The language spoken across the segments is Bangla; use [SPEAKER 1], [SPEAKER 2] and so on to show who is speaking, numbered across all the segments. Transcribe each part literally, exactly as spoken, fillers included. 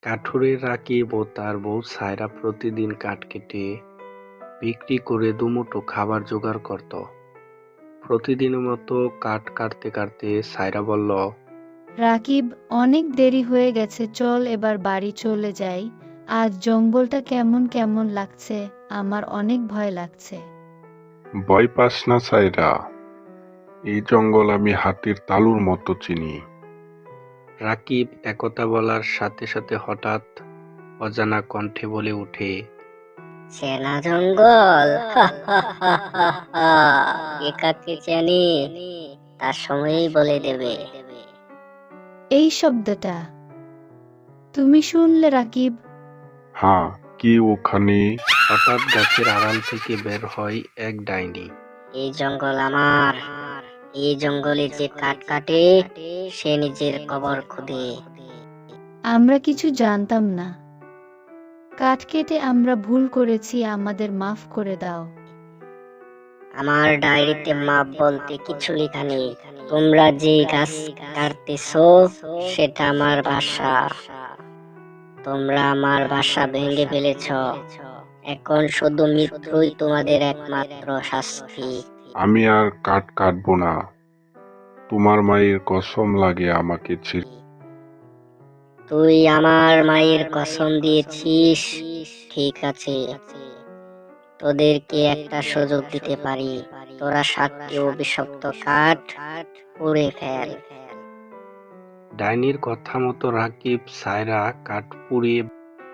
[SPEAKER 1] কাঠুরে রাকিব ও তার বউ সায়রা প্রতিদিন কাঠ কেটে বিক্রি করে দুমুঠো খাবার জোগাড় করত। প্রতিদিনের মতো কাঠ কাটতে কাটতে সায়রা বলল,
[SPEAKER 2] রাকিব, অনেক দেরি হয়ে গেছে, চল এবার বাড়ি চলে যাই। আজ জঙ্গলটা কেমন কেমন লাগছে, আমার অনেক ভয় লাগছে।
[SPEAKER 3] ভয় পাস না সায়রা, এই জঙ্গল আমি হাতের তালুর মতো চিনি।
[SPEAKER 1] রাকিব একথা বলার সাথে সাথে হঠাৎ অজানা কণ্ঠে বলে ওঠে,
[SPEAKER 4] চেনা জঙ্গল, হা হা হা হা হা। কে কাকে চেনে তার সময়ই বলে দেবে।
[SPEAKER 2] এই শব্দটা তুমি শুনলে রাকিব?
[SPEAKER 3] হ্যাঁ, কি ওখানে?
[SPEAKER 1] হঠাৎ গাছের আড়াল থেকে বের হয় এক ডাইনি।
[SPEAKER 4] এই জঙ্গল আমার, এই জঙ্গলে যে কাঠ কাটে সে নিজের কবর খুদে।
[SPEAKER 2] আমরা কিছু জানতাম না, কাঠ কেটে আমরা ভুল করেছি, আমাদের মাফ করে দাও।
[SPEAKER 4] আমার ডায়েরিতে মাপ বলতে কিছু লেখা নেই। তোমরা যে গাছ কাটতেছো সেটা আমার বাসা। তোমরা আমার বাসা ভেঙে ফেলেছ, এখন শুধু মৃত্যুই তোমাদের একমাত্র শাস্তি।
[SPEAKER 3] আমি আর কাঠ কাটবো না, তোমার মায়ের কসম লাগে আমাকে ছেড়ে।
[SPEAKER 4] তুই আমার মায়ের কসম দিয়েছিস, ঠিক আছে, তোদেরকে একটা সুযোগ দিতে পারি। তোরা সাতটি অভিশপ্ত কাঠ পুড়ে ফেল।
[SPEAKER 1] ডাইনির কথা মতো রাকিব সায়রা কাঠ পুড়িয়ে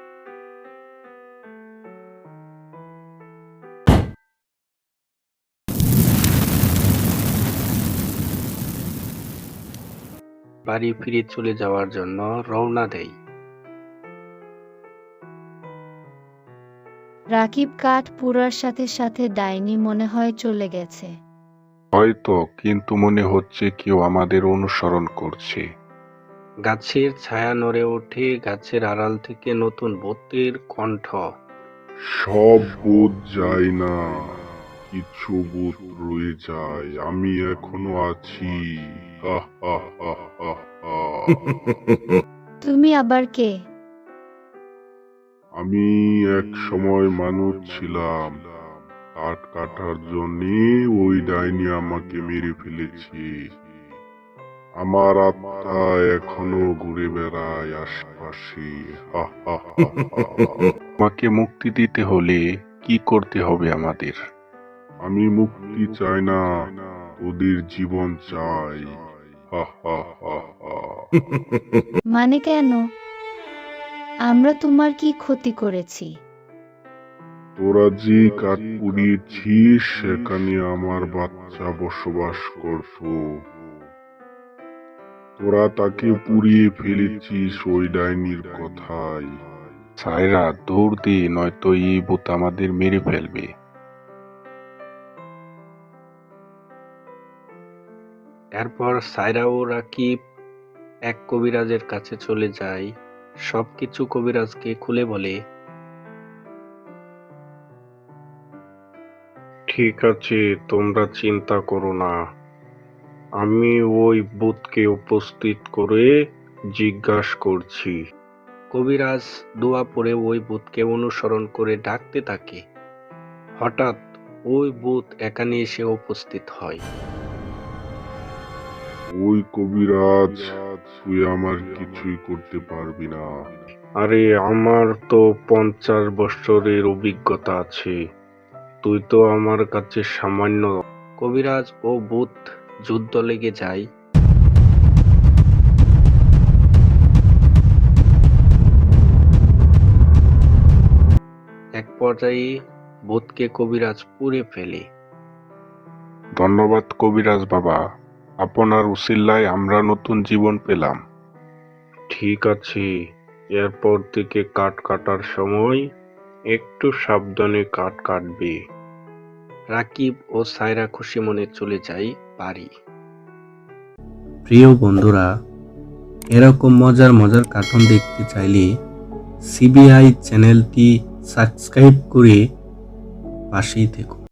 [SPEAKER 1] বাড়ি ফিরে চলে যাওয়ার জন্য রওনা দেয়।
[SPEAKER 2] রাকিব কাঠ পুরার সাথে সাথে ডাইনি মনে হয় চলে গেছে।
[SPEAKER 3] হয়তো, কিন্তু মনে হচ্ছে কেউ আমাদের অনুসরণ করছে।
[SPEAKER 1] গাছের ছায়া নড়ে ওঠে, গাছের আড়াল থেকে নতুন ভূতের কণ্ঠ।
[SPEAKER 3] সব ভূত যায় না, কিছু ভূত রয়ে যায়, আমি এখনো আছি। হা হা হা হা হা।
[SPEAKER 2] তুমি আবার কে?
[SPEAKER 3] আমি এক সময় মানুষ ছিলাম, কাঠ কাটার জন্য ওই ডাইনি আমাকে মেরে ফেলেছে। আমার আত্মা এখনো ঘুরে বেড়ায় আশেপাশে। হা হা হা হা। আমাকে মুক্তি দিতে হলে কি করতে হবে আমাদের? আমি মুক্তি চাই না, ওদের জীবন চাই। হা হা হা হা।
[SPEAKER 2] মানে কেন? আমরা তোমার কি ক্ষতি করেছি?
[SPEAKER 3] তোরা যে কাঠ পুড়িয়েছিস সেখানে আমার বাচ্চা বসবাস করত। তোরা তাকে পুড়িয়ে ফেলেছিস ওই ডাইনির কথায়। সায়রা, দৌড় দে, নয়তো এই ভূত আমাদের মেরে ফেলবে।
[SPEAKER 1] এরপর সায়রা ও রাকিব এক কবিরাজের কাছে চলে যায়। সবকিছু কবিরাজকে খুলে বলে। ঠিক আছে, তোমরা চিন্তা করো না, আমি ওই ভূতকে উপস্থিত করে জিজ্ঞাসা করছি। কবিরাজ দোয়া পড়ে ওই ভূতকে অনুসরণ করে ডাকতে থাকে। হঠাৎ ওই ভূত এখানে এসে উপস্থিত হয়।
[SPEAKER 3] ওই কবিরাজ, তুই আমার কিছুই করতে পারবি না।
[SPEAKER 1] আরে, আমার তো পঞ্চাশ বছরের অভিজ্ঞতা আছে, তুই তো আমার কাছে সামান্য। কবিরাজ ও ভূত যুদ্ধ লেগে যায়। এক পর্যায়ে ভূতকে কবিরাজ পুড়ে ফেলে।
[SPEAKER 3] ধন্যবাদ কবিরাজ বাবা, আপনার উসিলায় আমরা নতুন জীবন পেলাম।
[SPEAKER 1] ঠিক আছে, এরপর থেকে কাঠ কাটার সময় একটু সাবধানে কাঠ কাটবে। রাকিব ও সায়রা খুশি মনে চলে যায় বাড়ি। প্রিয় বন্ধুরা, এরকম মজার মজার কার্টুন দেখতে চাইলে সিবিআই চ্যানেলটি সাবস্ক্রাইব করে পাশেই থেকো।